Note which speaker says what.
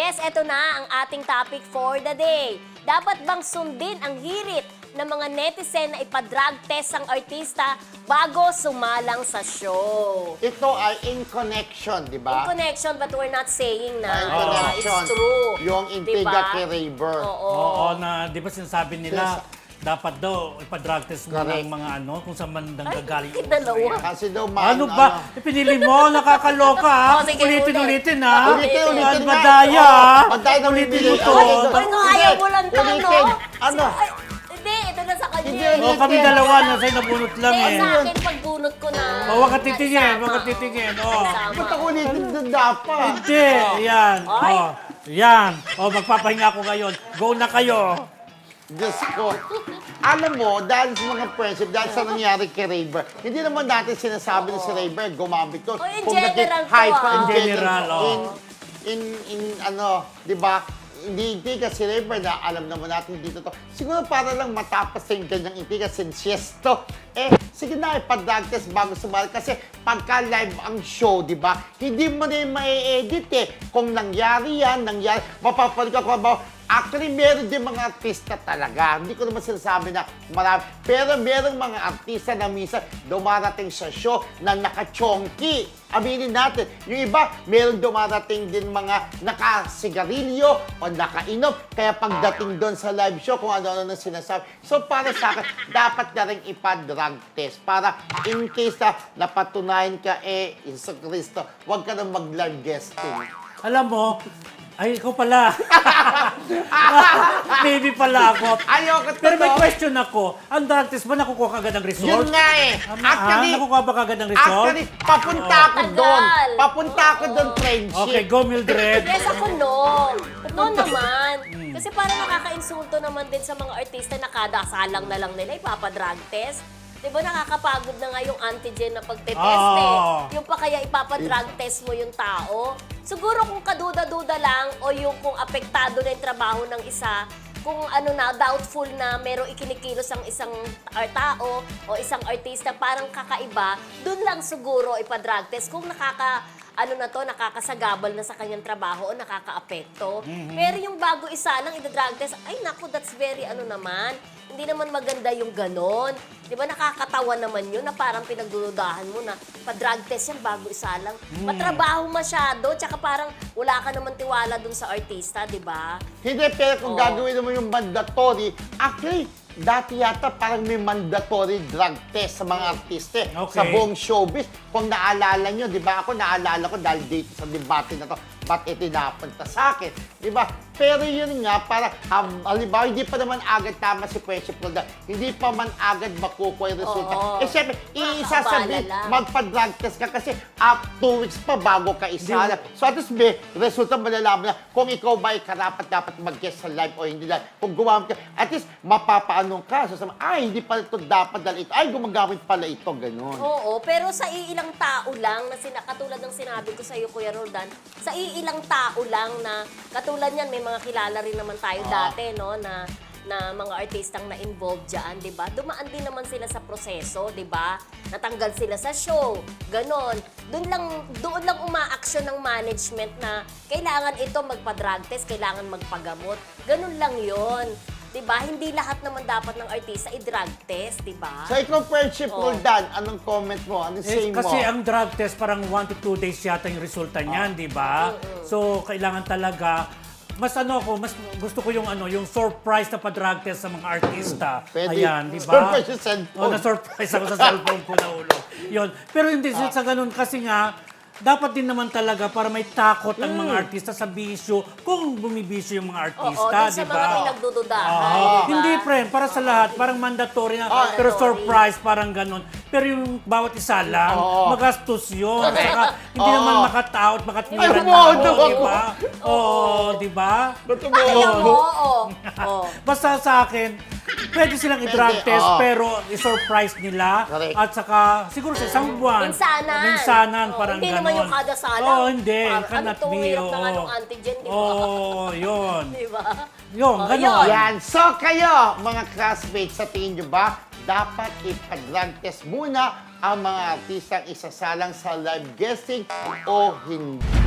Speaker 1: Yes, eto na ang ating topic for the day. Dapat bang sundin ang hirit ng mga netizen na ipa-drug test ang artista bago sumalang sa show?
Speaker 2: Ito ay in connection, di
Speaker 1: In
Speaker 2: ba?
Speaker 1: connection, but we're not saying na
Speaker 2: In connection.
Speaker 1: it's true.
Speaker 2: Yung intriga
Speaker 1: Diba?
Speaker 2: kay Rayber.
Speaker 3: Oo, na di ba sinasabi nila, dapat daw ipa-drug test mo
Speaker 2: Correct.
Speaker 3: ng mga ano, kung saan man nang
Speaker 1: Ay,
Speaker 3: gagaling.
Speaker 1: bakit dalawa?
Speaker 2: Kasi daw
Speaker 3: Ano ba? Pinili mo, nakakaloka ha?
Speaker 1: Oh, sige,
Speaker 3: Ulitin-ulitin ha?
Speaker 2: Ulitin nga.
Speaker 3: Madaya ha?
Speaker 2: Madaya na
Speaker 3: Ulitin
Speaker 2: bibili.
Speaker 3: mo to.
Speaker 2: Ay,
Speaker 1: Ay, no, ayaw mo lang to, no?
Speaker 2: Ulitin. Ano?
Speaker 1: Ay, hindi, ito na sa kanya.
Speaker 2: Hindi,
Speaker 1: eh.
Speaker 3: O kami dalawa na sa'yo nabunot lang
Speaker 1: Hindi,
Speaker 3: eh.
Speaker 1: sa akin, pagbunot ko na.
Speaker 3: O, wag ka titingin,
Speaker 1: Sama.
Speaker 3: wag ka titingin. O.
Speaker 1: Sama.
Speaker 2: Ba't ako ulitin doon dapat?
Speaker 3: Hindi, yan.
Speaker 1: Ay.
Speaker 3: O, yan. O, magpapahinga ako ngayon. Go na kayo.
Speaker 2: Diyos ko. Alam mo, dahil sa mga friendship, dahil sa nangyari kay Rayber, hindi naman natin sinasabi na si Rayber gumamit doon.
Speaker 1: Oh, in
Speaker 2: Kung
Speaker 1: general to,
Speaker 2: hype
Speaker 1: ah.
Speaker 2: in
Speaker 3: In
Speaker 2: general.
Speaker 3: general, oh.
Speaker 2: In ano, di ba? Hindi intriga si Rayber na alam naman natin dito to. Siguro para lang matapos sa yung ganyang intriga since yes to. Sige na, ipa-drug test bago sumali. Kasi pagka live ang show, di ba? Hindi mo na yung ma-edit eh. Kung nangyari yan, mapapalik ako ba? Actually, meron din mga artista talaga. Hindi ko naman sinasabi na marami. Pero meron mga artista na minsan dumarating sa show na naka-chonky. Aminin natin. Yung iba, meron dumarating din mga nakasigarilyo o nakainom. Kaya pagdating doon sa live show, kung ano-ano na sinasabi. So, para sa akin, dapat na rin ipa-drug test. Para in case na napatunayan ka, Iso Cristo, huwag ka na mag-live guesting.
Speaker 3: Alam mo, ay, ikaw pala. Maybe pala ako.
Speaker 2: Ayoko
Speaker 3: Pero may
Speaker 2: totoo.
Speaker 3: question ako. Ang drug test ba nakukuha ka agad ng result?
Speaker 2: Yun nga eh.
Speaker 3: Nakukuha ba ka agad ng result?
Speaker 2: Actually, papunta ako
Speaker 1: Tagal.
Speaker 2: doon. Papunta ako doon, friendship.
Speaker 3: Okay, go Mildred.
Speaker 1: Yes, ako no. No naman. Kasi parang nakaka-insulto naman din sa mga artista na kada salang na lang nila ipapadrug test. Di ba nakakapagod na nga yung antigen na pagtetest
Speaker 3: Oo.
Speaker 1: Yung pa kaya ipapadrug test mo yung tao. Siguro kung kaduda-duda lang o yung kung apektado na yung trabaho ng isa, kung ano na, doubtful na merong ikinikilos ang isang tao o isang artista parang kakaiba, dun lang siguro ipa-drug test kung nakakasagabal na sa kanyang trabaho o nakakaapekto. Pero yung bago isa lang ida-drug test, ay naku, that's very naman. Hindi naman maganda yung ganon. Di ba nakakatawa naman yun na parang pinagdududahan mo na pa-drug test yan bago isa lang. Matrabaho masyado, tsaka parang wala ka naman tiwala dun sa artista, di ba?
Speaker 2: Hindi, pero kung gagawin naman yung mandatory, actually, dati yata parang may mandatory drug test sa mga artiste
Speaker 3: Okay.
Speaker 2: sa buong showbiz. Kung naalala nyo, di ba? Ako naalala ko dahil dito sa debate na to, ba't itinapunta sa akin? Di ba? Pero yun nga, para, halimbawa, hindi pa naman agad tama si Friendship Roldan. Hindi pa man agad makukuha yung resulta.
Speaker 1: Oo.
Speaker 2: Siyempre, isasabi,
Speaker 1: Nakakabala lang.
Speaker 2: magpa-drug test ka kasi 2 weeks pa bago ka isala. So at least may resulta malalaman na kung ikaw ba ay karapat-dapat mag-guest sa live o hindi lang. Kung gumamit ka, at least mapapaanong ka. So sabi, hindi pala ito dapat dahil ito. Ay, gumagamit pala ito, ganun.
Speaker 1: Oo, pero sa iilang tao lang, katulad ng sinabi ko sa iyo, Kuya Roldan, sa iilang tao lang na, katulad niyan, may mga kilala rin naman tayo dati, no, na mga artistang na-involved dyan, di ba? Dumaan din naman sila sa proseso, di ba? Natanggal sila sa show, ganon. Doon lang umaaksyon ng management na kailangan ito magpa-drug test, kailangan magpagamot. Ganon lang yon. Diba? Hindi lahat naman dapat ng artista i-drug test, diba?
Speaker 2: So ikaw, Friendship Roldan, anong comment mo? Anong say mo?
Speaker 3: Kasi ang drug test parang 1 to 2 days yata yung resulta niyan, di ba? So, kailangan talaga mas gusto ko yung yung surprise na pa-drug test sa mga artista.
Speaker 2: Pwede.
Speaker 3: Ayan, di ba?
Speaker 2: Surprise yung cellphone.
Speaker 3: Na-surprise ako sa cellphone ko na ulo. Yun. Pero hindi sa ganun kasi nga, dapat din naman talaga para may takot ang mga artista sa bisyo kung bumibisyo yung mga artista,
Speaker 1: Oo,
Speaker 3: di
Speaker 1: sa
Speaker 3: ba?
Speaker 1: mga pinagdududahan,
Speaker 3: Oo.
Speaker 1: diba?
Speaker 3: Hindi, friend. Para sa lahat. Parang mandatory na. Pero surprise, parang ganun. Pero yung bawat isa lang, magastos yun. Saka, hindi naman makataot, makatwiran
Speaker 2: Ay,
Speaker 3: na
Speaker 2: bumodo
Speaker 3: ako,
Speaker 2: ako.
Speaker 3: di ba? Oo, di ba?
Speaker 1: Ayaw mo, oo.
Speaker 3: Basta sa akin, pwede silang i-drug
Speaker 2: Pwede,
Speaker 3: test,
Speaker 2: oo.
Speaker 3: pero i-surprise nila.
Speaker 2: Correct.
Speaker 3: At saka, siguro sa isang buwan.
Speaker 1: Minsanan.
Speaker 3: Minsanan,
Speaker 1: Oo,
Speaker 3: parang
Speaker 1: hindi
Speaker 3: ganon.
Speaker 1: naman yung kada salang.
Speaker 3: Oo, hindi. Cannot
Speaker 1: Ano to,
Speaker 3: be.
Speaker 1: hirap na nga
Speaker 3: oo.
Speaker 1: nung antigen, di ba?
Speaker 3: Oo, yun.
Speaker 1: Di ba?
Speaker 3: Yun,
Speaker 1: Oh,
Speaker 3: ganon.
Speaker 1: yun.
Speaker 2: Yan. So kayo, mga classmates, sa tingin nyo ba, dapat ipa-drug test muna ang mga artistang isasalang sa live guesting o hindi?